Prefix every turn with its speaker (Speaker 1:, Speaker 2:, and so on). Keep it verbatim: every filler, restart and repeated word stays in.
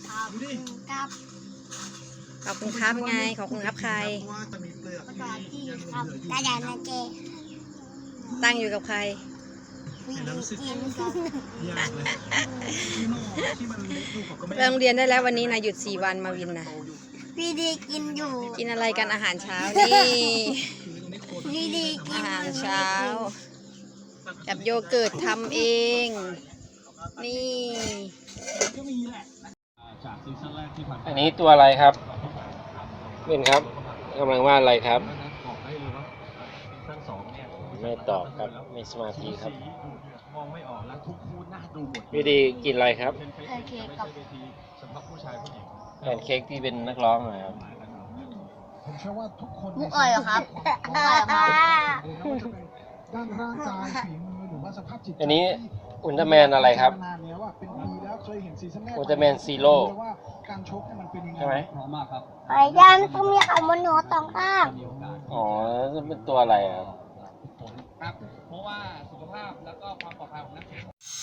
Speaker 1: ขอบคุณครับ
Speaker 2: ขอบคุณครับไงขอบคุณครับใคร
Speaker 1: ประกอบที่ครับกระดานเจ
Speaker 2: ตั้งอยู่กับใคร
Speaker 1: วีดีกินครับ
Speaker 2: ไปโรงเรียนได้แล้ววันนี้นะหยุดสี่วันมาวินนะ
Speaker 1: วีดีกินอยู่
Speaker 2: กินอะไรกันอาหารเช้านี่
Speaker 1: วีดีกิ
Speaker 2: อาน หารเช้ากับโยเกิร์ตทำเอง นี่
Speaker 3: อันนี้ตัวอะไรครับเป็นครับกำลังวาดอะไรครับไม่ตอบครับไม่สมาธิครับวิธีกินอะไรครับ
Speaker 1: โอเคกับ
Speaker 3: แพนเค้กที่เป็นนักร้องเหรอครับ
Speaker 1: มุกอ่อยเหรอครับมุกอ่อยครับ
Speaker 4: ด้านร่างกายฝีมือหรือว่าสภาพจิตใจ
Speaker 3: อันนี้อุลตร้าแมนอะไรครับ
Speaker 4: นานแล้วอ่ะเป็นปีแล้วเคยเห็นซีซั่นแรก
Speaker 3: อุลตร้าแมนซีโร่
Speaker 4: ว่าการชกเนี่ยมันเป็นยังไง
Speaker 3: ใช่ไหม
Speaker 1: ไอ้ยันต้องมีเขาบนหัวสองข้าง
Speaker 3: อ๋อเป็นตัวอะไรครับ
Speaker 5: ครับเพราะว่าสุขภาพแล้วก็ความปลอดภัยของนักแข่ง